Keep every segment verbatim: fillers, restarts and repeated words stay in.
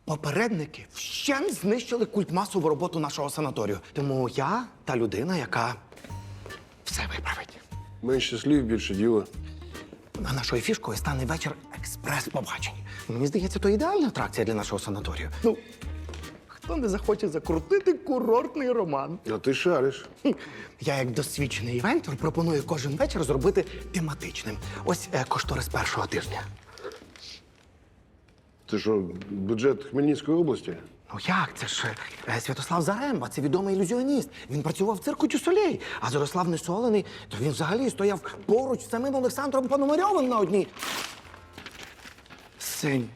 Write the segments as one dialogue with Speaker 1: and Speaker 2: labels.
Speaker 1: Попередники вщент знищили культмасову роботу нашого санаторію. Тому я та людина, яка все виправить.
Speaker 2: Менше слів, більше діла.
Speaker 1: А нашою фішкою стане вечір експрес-побачень. Мені здається, то ідеальна атракція для нашого санаторію. Ну, хто не захоче закрутити курортний роман?
Speaker 2: А ти шариш.
Speaker 1: Хм. Я, як досвідчений івентор, пропоную кожен вечір зробити тематичним. Ось е, кошторис першого тижня.
Speaker 2: Це що, бюджет Хмельницької області?
Speaker 1: Ну як? Це ж е, Святослав Заремба, це відомий ілюзіоніст. Він працював в цирку Тюсолей, а Зарослав Несолений, то він взагалі стояв поруч з самим Олександром Пономарьовим на одній сцені.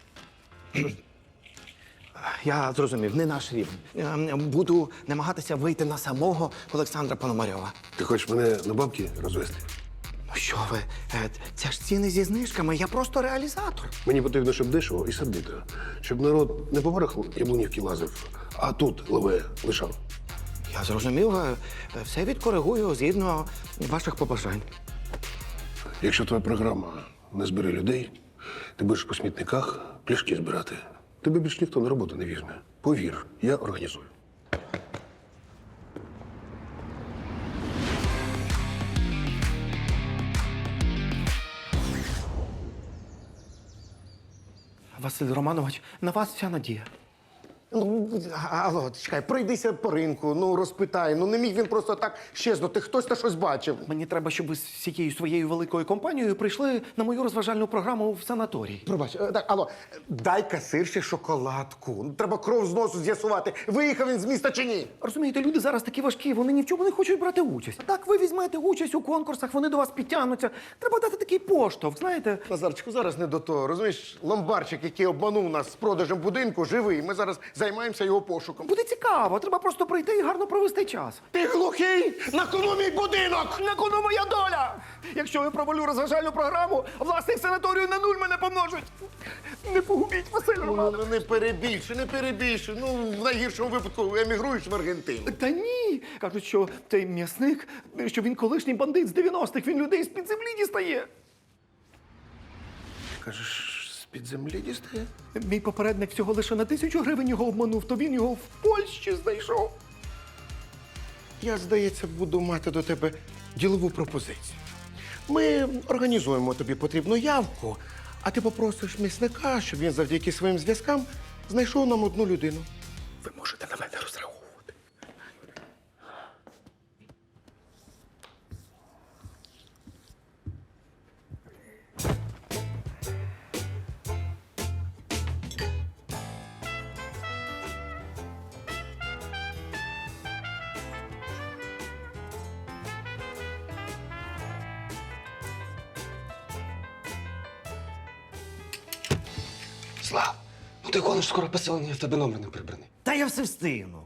Speaker 1: Я зрозумів, не наш рівень. Е, Буду намагатися вийти на самого Олександра Пономарьова.
Speaker 2: Ти хочеш мене на бабки розвести?
Speaker 1: Ну що ви, е, це ж ціни зі знижками, я просто реалізатор.
Speaker 2: Мені потрібно, щоб дешево і сердито. Щоб народ не по барах яблунівки лазив, а тут леве лишав.
Speaker 1: Я зрозумів, е, все відкоригую згідно ваших побажань.
Speaker 2: Якщо твоя програма не збере людей, ти будеш по смітниках пляшки збирати. Тебе більш ніхто на роботу не візьме. Повір, я організую.
Speaker 1: Василь Романович, на вас вся надія.
Speaker 3: Ну, алло, чекай, пройдися по ринку, ну розпитай. Ну не міг він просто так щезнути. Хтось та щось бачив.
Speaker 1: Мені треба, щоб ви з всією своєю великою компанією прийшли на мою розважальну програму в санаторій.
Speaker 3: Пробач, е, так, алло, дай касирші шоколадку. Ну, треба кров з носу з'ясувати, виїхав він з міста чи ні.
Speaker 1: Розумієте, люди зараз такі важкі, вони ні в чому не хочуть брати участь. Так, ви візьмете участь у конкурсах, вони до вас підтягнуться. Треба дати такий поштовх, знаєте.
Speaker 3: Назарчику, зараз не до того. Розумієш, ломбарчик, який обманув нас з продажем будинку, живий. Ми зараз займаємося його пошуком.
Speaker 1: Буде цікаво, треба просто прийти і гарно провести час.
Speaker 3: Ти глухий? На кону мій будинок!
Speaker 1: На кону моя доля! Якщо я провалю розважальну програму, власник санаторію на нуль мене помножить. Не погубіть, Василь
Speaker 3: Ну,
Speaker 1: Романович.
Speaker 3: ну, не перебільшуй, не перебільшуй. Ну, в найгіршому випадку емігруєш в Аргентину.
Speaker 1: Та ні. Кажуть, що цей м'ясник, що він колишній бандит з дев'яностих, він людей з-під землі дістає.
Speaker 2: Кажеш, з-під землі дістає?
Speaker 1: Мій попередник всього лише на тисячу гривень його обманув, то він його в Польщі знайшов.
Speaker 3: Я, здається, буду мати до тебе ділову пропозицію. Ми організуємо тобі потрібну явку, а ти попросиш місника, щоб він завдяки своїм зв'язкам знайшов нам одну людину.
Speaker 1: Ви можете на мене розраховувати.
Speaker 4: Слав, ну ти гониш скоро поселення, в тебе номер не прибраний.
Speaker 5: Та я все встигну.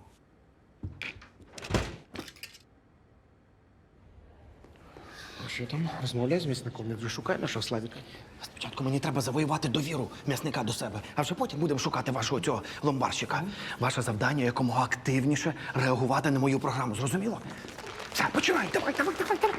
Speaker 3: А що там? Розмовляй з місником, не вже шукай нашого Славіка.
Speaker 1: Спочатку мені треба завоювати довіру м'ясника до себе, а вже потім будемо шукати вашого цього ломбарщика. Ваше завдання якомога активніше реагувати на мою програму. Зрозуміло? Все, починай, давай, давай, давай, давай.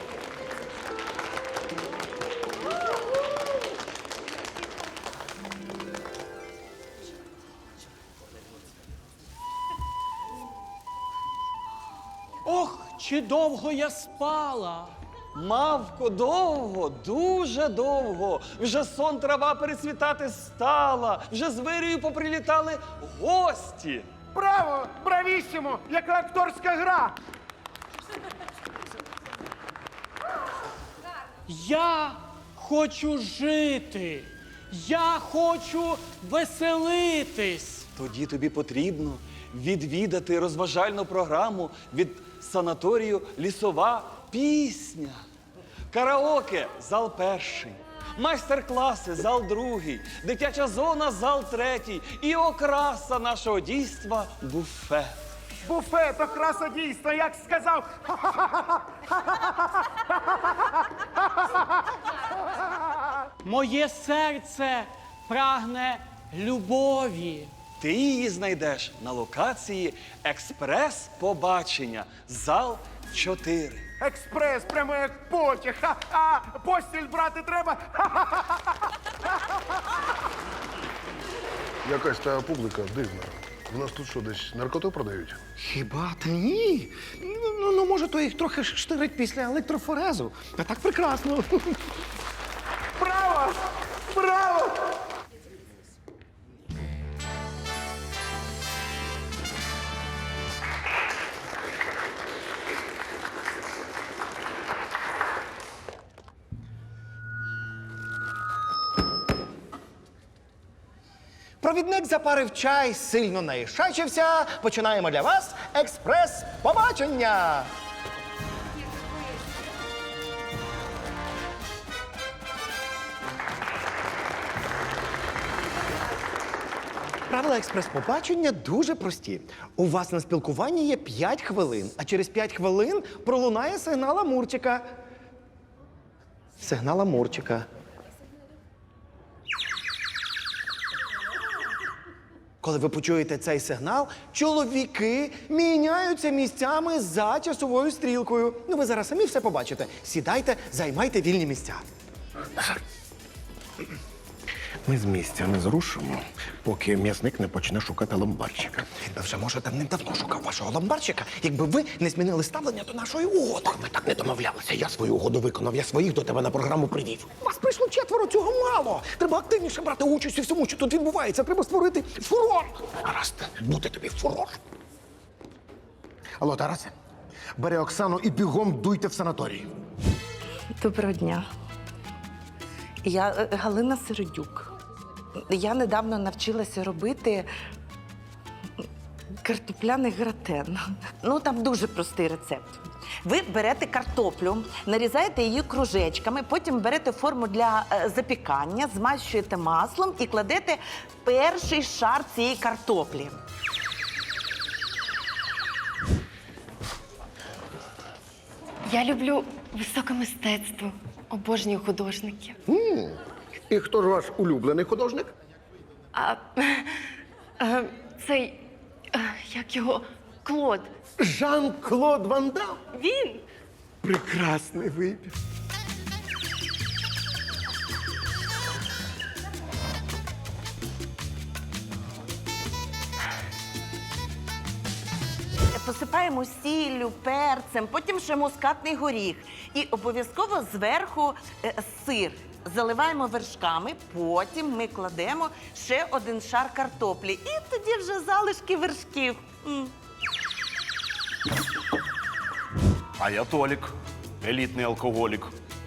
Speaker 6: Ох, чи довго я спала.
Speaker 7: Мавко, довго, дуже довго. Вже сон трава перецвітати стала. Вже з вирію поприлітали гості.
Speaker 3: Браво! Бравіссимо! Яка акторська гра!
Speaker 6: Я хочу жити. Я хочу веселитись.
Speaker 7: Тоді тобі потрібно відвідати розважальну програму від санаторію «Лісова пісня». Караоке – зал перший, майстер-класи – зал другий, дитяча зона – зал третій і окраса нашого дійства – буфет.
Speaker 3: Буфет, окраса дійсно, як сказав.
Speaker 6: Моє серце прагне любові.
Speaker 7: Ти її знайдеш на локації експрес-побачення, зал чотири.
Speaker 3: Експрес, прямо як потяг. Ха-ха! Постіль брати треба.
Speaker 2: Якась та публіка дивна. У нас тут що, десь наркоту продають?
Speaker 1: Хіба та ні? Ну, ну, ну, може, то їх трохи штирить після електрофорезу. А так прекрасно. Браво! Браво! Провідник запарив чай, сильно наїшачився. Починаємо для вас експрес-побачення. Правила експрес-побачення дуже прості. У вас на спілкуванні є п'ять хвилин, а через п'ять хвилин пролунає сигнал Амурчика. Сигнал Амурчика. Коли ви почуєте цей сигнал, чоловіки міняються місцями за часовою стрілкою. Ну, ви зараз самі все побачите. Сідайте, займайте вільні місця.
Speaker 3: Ми з місця не зрушимо, поки м'ясник не почне шукати ломбарчика.
Speaker 1: Він би вже, може, давним-давно шукав вашого ломбарчика, якби ви не змінили ставлення до нашої угоди.
Speaker 3: Ми так не домовлялися. Я свою угоду виконав, я своїх до тебе на програму привів.
Speaker 1: Вас прийшло четверо, цього мало. Треба активніше брати участь у всьому, що тут відбувається. Треба створити фурор.
Speaker 3: Гаразд, буде тобі фурор. Алло, Тарасе, бери Оксану і бігом дуйте в санаторій.
Speaker 5: Доброго дня. Я е, Галина Середюк. Я недавно навчилася робити картопляний гратен. Ну, там дуже простий рецепт. Ви берете картоплю, нарізаєте її кружечками, потім берете форму для е, запікання, змащуєте маслом і кладете перший шар цієї картоплі.
Speaker 8: Я люблю високе мистецтво, обожнюю художників.
Speaker 3: І хто ж ваш улюблений художник?
Speaker 8: А е, цей, е, як його, Клод.
Speaker 3: Жан-Клод Ван Дам.
Speaker 8: Він?
Speaker 3: Прекрасний вибір.
Speaker 5: Посипаємо сіллю, перцем, потім ще мускатний горіх. І обов'язково зверху е, сир. Заливаємо вершками, потім ми кладемо ще один шар картоплі. І тоді вже залишки вершків. М.
Speaker 9: А я Толік, елітний алкоголік.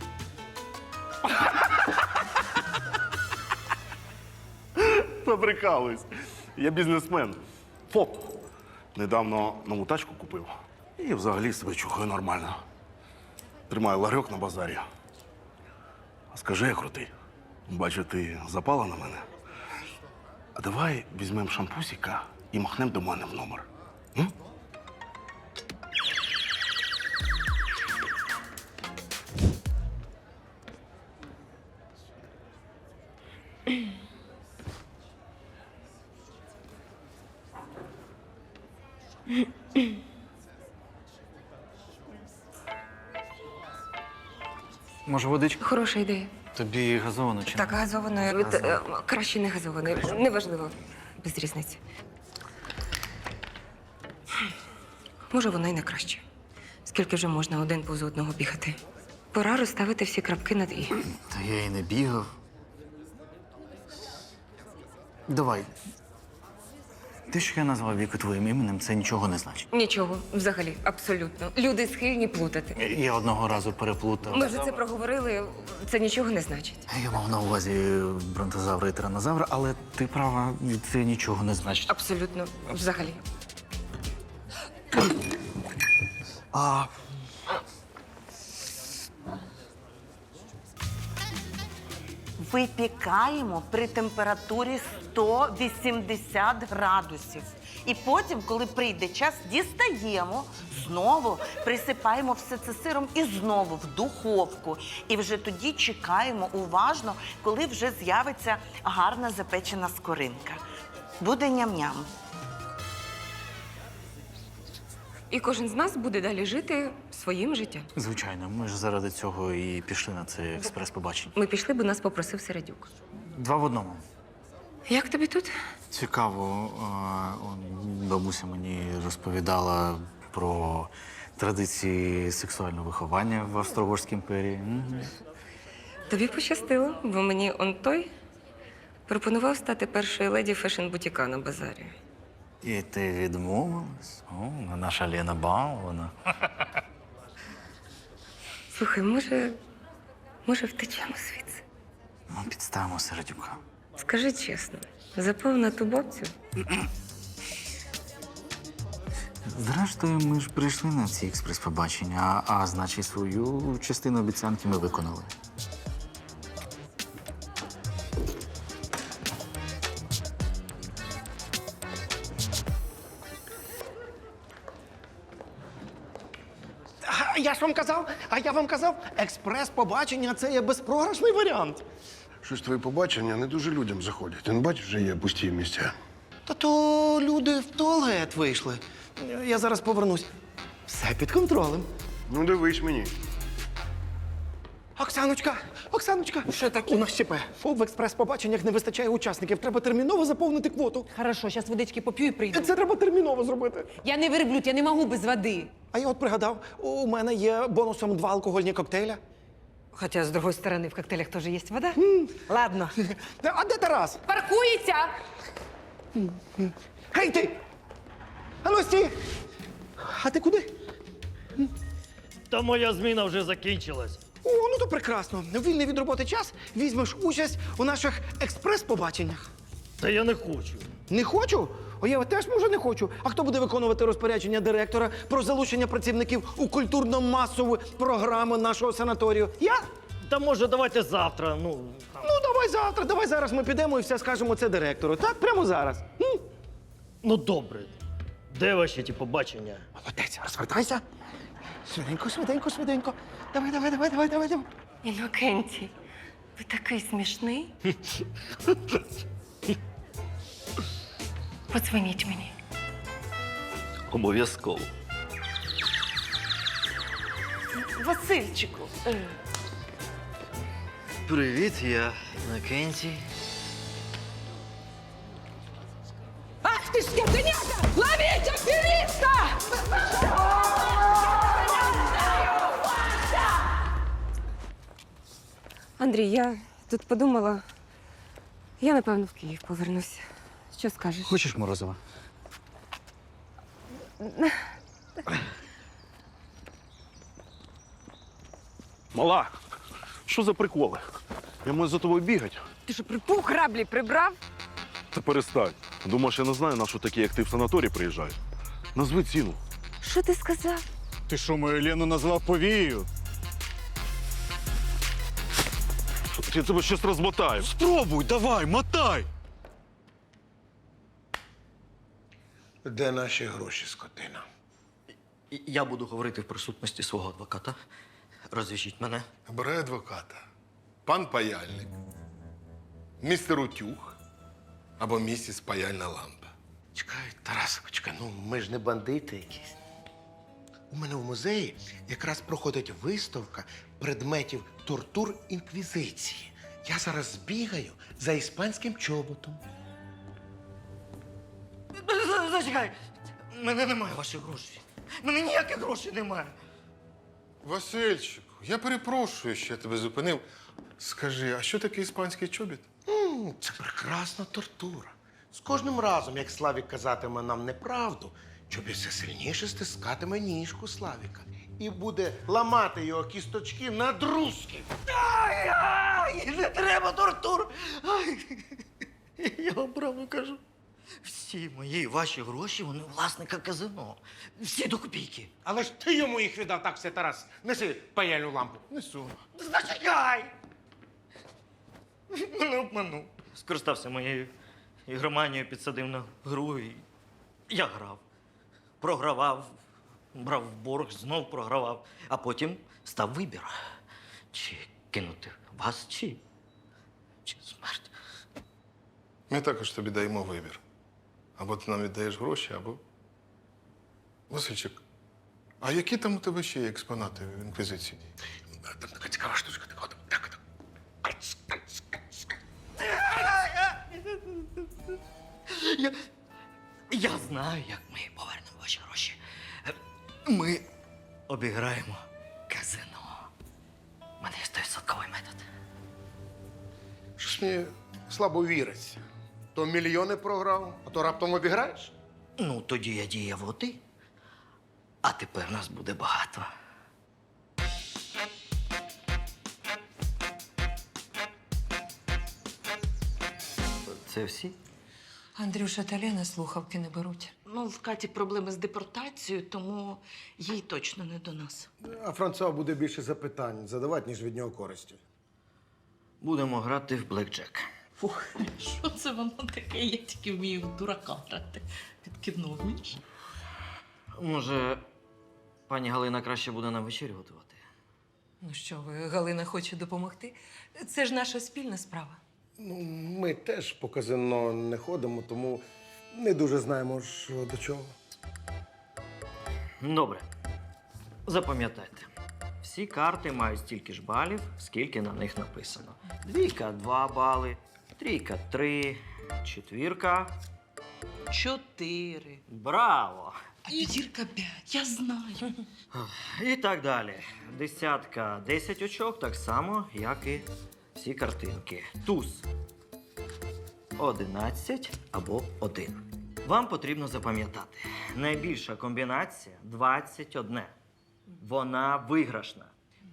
Speaker 9: Побрикались. Я бізнесмен. ФОП. Недавно нову тачку купив. І взагалі себе чухаю нормально. Тримаю ларьок на базарі. А скажи, я крутий. Бачу, ти запала на мене. А давай візьмемо шампусіка і махнемо до мене в номер. М?
Speaker 10: Може, водичка?
Speaker 11: Хороша ідея.
Speaker 10: Тобі газовано чи
Speaker 11: Так, газованою. Від, е, краще не газованою. Неважливо. Без різниці. Може, вона й не краще. Скільки вже можна один повз одного бігати? Пора розставити всі крапки над «і».
Speaker 10: Та я і не бігав. Давай. Те, що я назвав Віку твоїм іменем, це нічого не значить.
Speaker 11: Нічого, взагалі, абсолютно. Люди схильні плутати.
Speaker 10: Я одного разу переплутав.
Speaker 11: Ми вже це проговорили, це нічого не значить.
Speaker 10: Я мав на увазі бронтозавра і тиранозавра, але ти права, це нічого не значить.
Speaker 11: Абсолютно, взагалі.
Speaker 10: А
Speaker 5: Випікаємо при температурі сто вісімдесят градусів. І потім, коли прийде час, дістаємо, знову присипаємо все це сиром і знову в духовку. І вже тоді чекаємо уважно, коли вже з'явиться гарна запечена скоринка. Буде ням-ням.
Speaker 11: І кожен з нас буде далі жити своїм життям.
Speaker 10: звичайно, ми ж заради цього і пішли на це експрес-побачення.
Speaker 11: Ми пішли, бо нас попросив Середюк.
Speaker 10: Два в одному.
Speaker 11: Як тобі тут?
Speaker 10: Цікаво, а, он, бабуся мені розповідала про традиції сексуального виховання в Австро-Угорській імперії. Мгм.
Speaker 11: Тобі пощастило, бо мені он той пропонував стати першою леді фешн-бутіка на базарі.
Speaker 10: І ти відмовилась? О, наша Лена балована.
Speaker 11: Слухай, може, може, втечемо звідси?
Speaker 10: Ну, підставимо Середюка.
Speaker 11: Скажи чесно, запав на ту бабцю?
Speaker 10: Зрештою, ми ж прийшли на ці експрес-побачення, а, а значить, свою частину обіцянки ми виконали.
Speaker 1: А я ж вам казав, а я вам казав, експрес-побачення це є безпрограшний варіант.
Speaker 2: Щось твої побачення не дуже людям заходять. Ти не бачиш, вже є пусті місця.
Speaker 1: Та то люди в туалет вийшли. Я зараз повернусь. Все під контролем.
Speaker 2: Ну, дивись мені.
Speaker 1: Оксаночка, Оксаночка, що таке? У нас ЧП. В експрес-побаченнях не вистачає учасників. Треба терміново заповнити квоту.
Speaker 12: Хорошо, зараз водички поп'ю і прийду.
Speaker 1: Це треба терміново зробити.
Speaker 12: Я не верблюд, я не можу без води.
Speaker 1: А я от пригадав, у мене є бонусом два алкогольні коктейля.
Speaker 12: Хоча, з другої сторони, в коктейлях теж є вода. Ладно.
Speaker 1: А де Тарас?
Speaker 12: Паркується!
Speaker 1: Гей ти! А ну стій! А ти куди?
Speaker 6: Та моя зміна вже закінчилась.
Speaker 1: О, ну то прекрасно. Вільний від роботи час візьмеш участь у наших експрес-побаченнях.
Speaker 6: Та я не хочу.
Speaker 1: Не хочу? О, я теж, може, не хочу. А хто буде виконувати розпорядження директора про залучення працівників у культурно-масову програму нашого санаторію? Я?
Speaker 6: Та може давайте завтра, ну. там.
Speaker 1: Ну, давай завтра, давай зараз ми підемо і все скажемо це директору. Так, прямо зараз. М?
Speaker 6: Ну добре. Де ваші ті побачення?
Speaker 1: Молодець, розвертайся. Швиденько, швиденько, швиденько. Давай, давай, давай, давай, давай. давай.
Speaker 8: Інокентій, ви такий смішний. Подзвоніть мені.
Speaker 6: Обов'язково.
Speaker 5: Васильчику.
Speaker 10: Привіт, я Інокентій.
Speaker 12: Ах ти ж скотиняка! Ловіть афериста!
Speaker 11: Андрій, я тут подумала. Я, напевно, в Київ повернуся. Що скажеш?
Speaker 10: Хочеш морозива?
Speaker 9: Мала, що за приколи? Я маю за тобою бігати.
Speaker 12: Ти що, припух граблі прибрав?
Speaker 9: Та перестань. Думаєш, я не знаю, на що такі, як ти в санаторій приїжджають? Назви ціну.
Speaker 11: Що ти сказав?
Speaker 7: Ти що, мою Лену назвав повією?
Speaker 9: Я тебе щось розмотаю.
Speaker 7: Спробуй, давай, мотай!
Speaker 3: Де наші гроші, скотина?
Speaker 10: Я буду говорити в присутності свого адвоката. Розв'яжіть мене.
Speaker 3: Обирай адвоката. Пан паяльник, містер Утюг або місіс паяльна лампа. Чекай, Тарасовичка, ну ми ж не бандити якісь. У мене в музеї якраз проходить виставка предметів тортур інквізиції. Я зараз збігаю за іспанським чоботом.
Speaker 10: Зачекай! У мене немає ваших грошей. У мене ніяких грошей немає.
Speaker 3: Васильчику, я перепрошую, що я тебе зупинив. Скажи, а що таке іспанський чобіт? м це прекрасна тортура. З кожним разом, як Славік казатиме нам неправду, чобіт все сильніше стискатиме ніжку Славіка і буде ламати його кісточки на друзки.
Speaker 10: Ай, не треба тортур! Ай, я вам правду кажу. Всі мої ваші гроші, вони у власника казино. Всі до копійки.
Speaker 3: Але ж ти йому їх віддав, так все, Тарас. Неси паяльну лампу. Несу.
Speaker 10: Зачекай! Мене обманув. Скористався моєю ігроманією, підсадив на гру і я грав. Програвав, брав в борг, знов програвав. А потім став вибір. Чи кинути вас, чи, чи смерть.
Speaker 3: Ми також тобі даємо вибір. Або ти нам віддаєш гроші, або. Васильчик, а які там у тебе ще є експонати в інквізиції? Там така цікава штучка, така от. Так, так.
Speaker 10: Я, я знаю, як ми повернемо ваші гроші. Ми обіграємо казино. У мене є стовідсотковий метод.
Speaker 3: Щось мені слабо віриться. То мільйони програв, а то раптом обіграєш?
Speaker 10: Ну, тоді я діяв оти, а тепер нас буде багато. Це всі?
Speaker 12: Андрюша та Лена слухавки не беруть.
Speaker 5: Ну, в Каті проблеми з депортацією, тому їй точно не до нас.
Speaker 3: А Франсуа буде більше запитань задавати, ніж від нього користі.
Speaker 10: Будемо грати в блекджек.
Speaker 5: Фух, що це воно таке? Я тільки вмію в дурака грати. Під кіно вмієш?
Speaker 10: Може, пані Галина краще буде нам вечерю готувати?
Speaker 12: Ну що ви, Галина хоче допомогти? Це ж наша спільна справа.
Speaker 3: Ну, ми теж по казино не ходимо, тому не дуже знаємо, що до чого.
Speaker 10: Добре. Запам'ятайте. Всі карти мають стільки ж балів, скільки на них написано. Двійка – два бали, трійка – три, четвірка.
Speaker 5: Чотири.
Speaker 10: Браво!
Speaker 5: А п'ятірка п'ять, я знаю.
Speaker 10: І так далі. Десятка – десять очок, так само, як і всі картинки. Туз – одинадцять або один. Вам потрібно запам'ятати. Найбільша комбінація – двадцять один. Вона виграшна.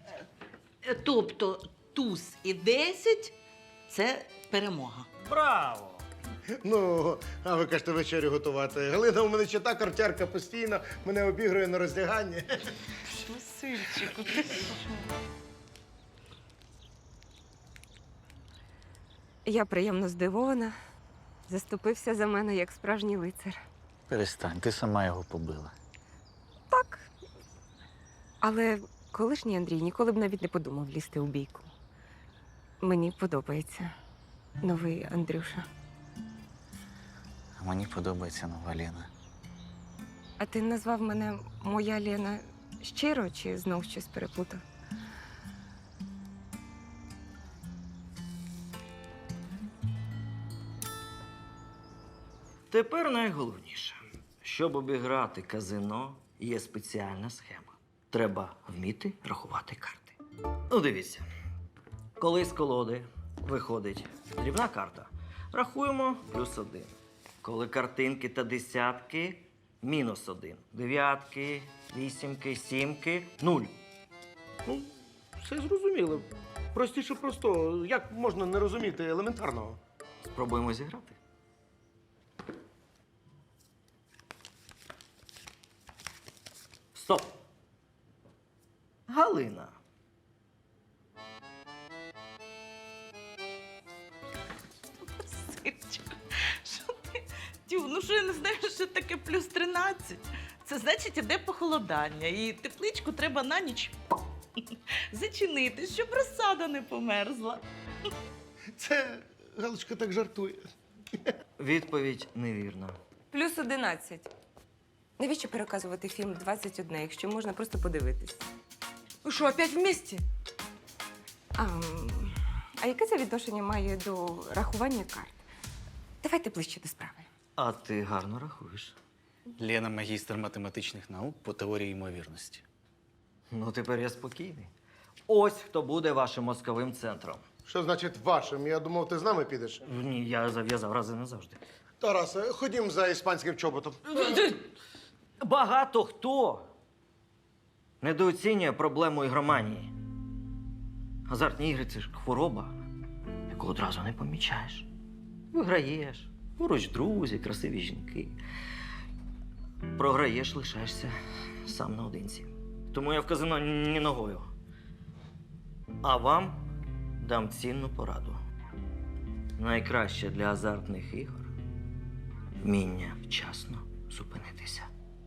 Speaker 5: Тобто туз і десять – це перемога.
Speaker 10: Браво!
Speaker 3: Ну, а ви кажете вечерю готувати. Галина у мене ще та картярка постійно, мене обігрує на роздяганні.
Speaker 5: Васильчику, ти
Speaker 11: Я приємно здивована. Заступився за мене як справжній лицар.
Speaker 13: Перестань, ти сама його побила.
Speaker 11: Так. Але колишній Андрій ніколи б навіть не подумав лізти у бійку. Мені подобається новий Андрюша.
Speaker 13: А мені подобається нова Лена.
Speaker 11: А ти назвав мене моя Лена щиро чи знов щось переплутав?
Speaker 10: Тепер найголовніше. Щоб обіграти казино, є спеціальна схема. Треба вміти рахувати карти. Ну, дивіться. Коли з колоди виходить дрібна карта, рахуємо плюс один. Коли картинки та десятки – мінус один. Дев'ятки, вісімки, сімки – нуль.
Speaker 3: Ну, все зрозуміло. Простіше просто. Як можна не розуміти елементарного?
Speaker 10: Спробуємо зіграти. Стоп! Галина.
Speaker 5: Васильчику, що ти? Тю, ну що я не знаю, що таке плюс тринадцять? Це значить, іде похолодання, і тепличку треба на ніч зачинити, щоб розсада не померзла.
Speaker 3: Це Галочка так жартує.
Speaker 10: Відповідь невірна.
Speaker 11: Плюс одинадцять. Навіщо переказувати фільм «двадцять один», якщо можна просто подивитись?
Speaker 12: Ви що, опять вместе?
Speaker 11: А, м, а яке це відношення має до рахування карт? Давайте ближче до справи.
Speaker 10: А ти гарно рахуєш.
Speaker 13: Лена магістр математичних наук по теорії ймовірності.
Speaker 10: Ну, тепер я спокійний. Ось хто буде вашим мозковим центром.
Speaker 3: Що значить вашим? Я думав, ти з нами підеш.
Speaker 10: Ні, я зав'язав рази назавжди.
Speaker 3: Тарасе, ходім за іспанським чоботом.
Speaker 10: Багато хто недооцінює проблему ігроманії. Азартні ігри – це ж хвороба, яку одразу не помічаєш. Виграєш, поруч друзі, красиві жінки. Програєш, лишаєшся сам наодинці. Тому я в казино ні ногою. А вам дам цінну пораду. Найкраще для азартних ігор – вміння вчасно зупинитися.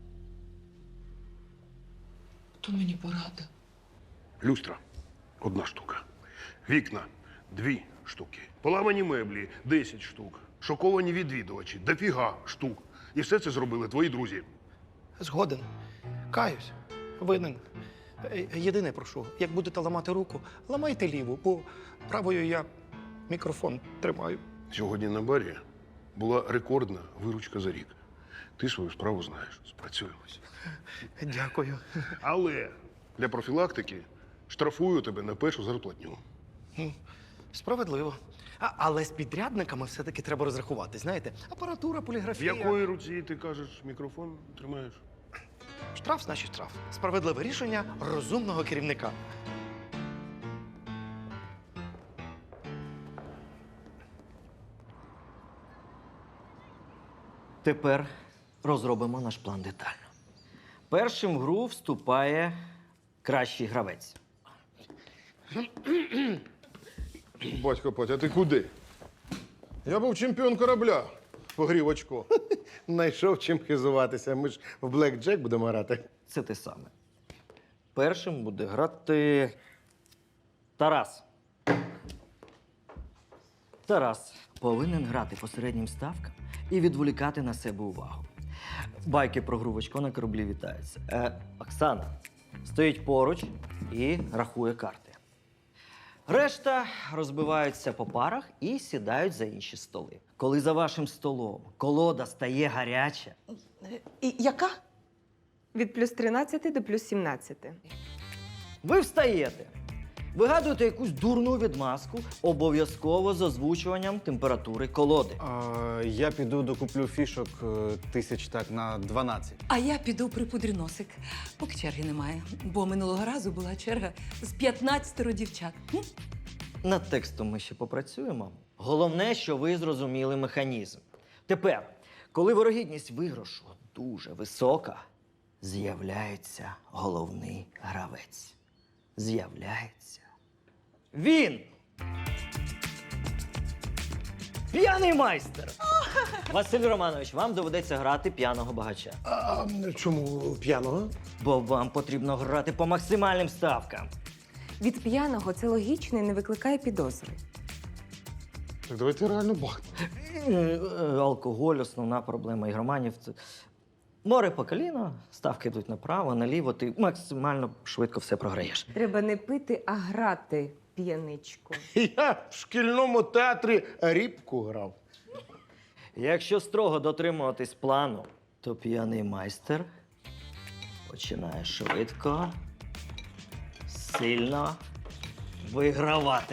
Speaker 12: То мені порада.
Speaker 2: Люстра одна штука. Вікна дві штуки. Поламані меблі десять штук. Шоковані відвідувачі дофіга штук. І все це зробили твої друзі.
Speaker 1: Згоден. Каюсь. Винен. Е, Єдине прошу, як будете ламати руку, ламайте ліву, бо правою я мікрофон тримаю.
Speaker 2: Сьогодні на барі була рекордна виручка за рік. Ти свою справу знаєш, спрацюємося.
Speaker 1: Дякую.
Speaker 2: Але для профілактики штрафую тебе на першу зарплатню.
Speaker 1: Справедливо. А, але з підрядниками все-таки треба розрахувати. Знаєте, апаратура,
Speaker 2: В
Speaker 1: поліграфія.
Speaker 2: якої руці ти кажеш мікрофон тримаєш?
Speaker 1: Штраф, значить штраф. Справедливе рішення розумного керівника.
Speaker 10: Тепер розробимо наш план детально. Першим в гру вступає кращий гравець.
Speaker 3: Батько Петя, а ти куди? Я був чемпіон корабля. Погрів очко. Найшов чим хизуватися. Ми ж в блек-джек будемо грати.
Speaker 10: Це те саме. Першим буде грати Тарас. Тарас повинен грати по середнім ставкам і відволікати на себе увагу. Байки про гру в очко на кораблі вітаються. Е, Оксана стоїть поруч і рахує карти. Решта розбиваються по парах і сідають за інші столи. Коли за вашим столом колода стає гаряча,
Speaker 5: І яка?
Speaker 11: Від плюс тринадцяти до плюс сімнадцяти.
Speaker 10: ви встаєте, вигадуєте якусь дурну відмазку, обов'язково з озвучуванням температури колоди.
Speaker 13: А, я піду докуплю фішок е, тисяч так на дванадцять.
Speaker 12: А я піду припудрю носик, поки черги немає. Бо минулого разу була черга з п'ятнадцяти дівчат. М?
Speaker 10: Над текстом ми ще попрацюємо. Головне, що ви зрозуміли механізм. Тепер, коли вирогідність виграшу дуже висока, з'являється головний гравець. З'являється він! П'яний майстер! Василь Романович, вам доведеться грати п'яного багача.
Speaker 3: А чому п'яного?
Speaker 10: Бо вам потрібно грати по максимальним ставкам.
Speaker 11: Від п'яного це логічно і не викликає підозри.
Speaker 3: Так давайте реально бахнемо.
Speaker 10: Е, е, Алкоголь – основна проблема ігроманів. Це море по коліно, ставки йдуть направо, наліво, ти максимально швидко все програєш.
Speaker 11: Треба не пити, а грати п'яничку.
Speaker 3: Я в шкільному театрі рібку грав.
Speaker 10: Якщо строго дотримуватись плану, то п'яний майстер починає швидко, сильно вигравати.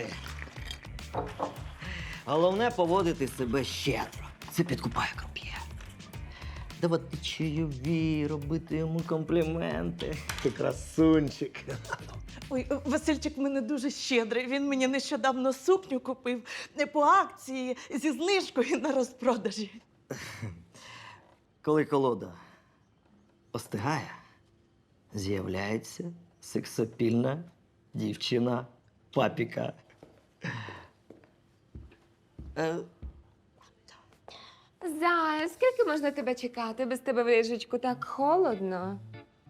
Speaker 10: Головне поводити себе щедро. Це підкупає круп'є. Давати чайові, робити йому компліменти.
Speaker 3: Ти красунчик.
Speaker 5: Ой, Васильчик в мене дуже щедрий. Він мені нещодавно сукню купив не по акції зі знижкою на розпродажі.
Speaker 10: Коли колода остигає, з'являється сексапільна дівчина папіка. Е,
Speaker 11: Зая, скільки можна тебе чекати? Без тебе в ліжечку так холодно.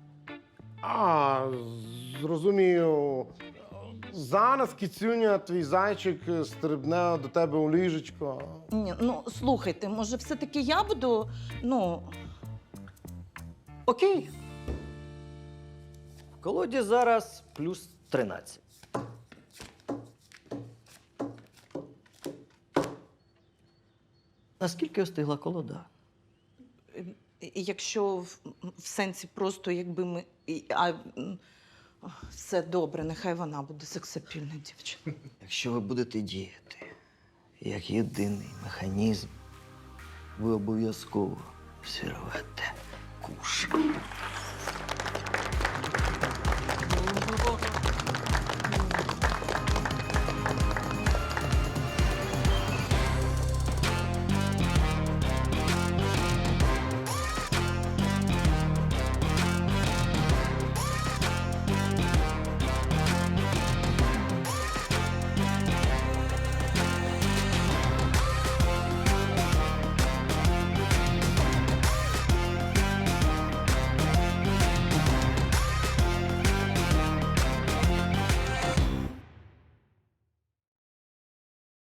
Speaker 3: А, зрозумію. Зараз, кицюня, твій зайчик стрибне до тебе у ліжечко.
Speaker 5: Ні, ну слухайте, може, все-таки я буду, ну.
Speaker 10: Окей. В колоді зараз плюс тринадцять. Наскільки остигла колода?
Speaker 5: Якщо в, в сенсі просто якби ми. і- А, м, все добре, нехай вона буде сексапільна дівчина.
Speaker 10: Якщо ви будете діяти як єдиний механізм, ви обов'язково всі рвете куш.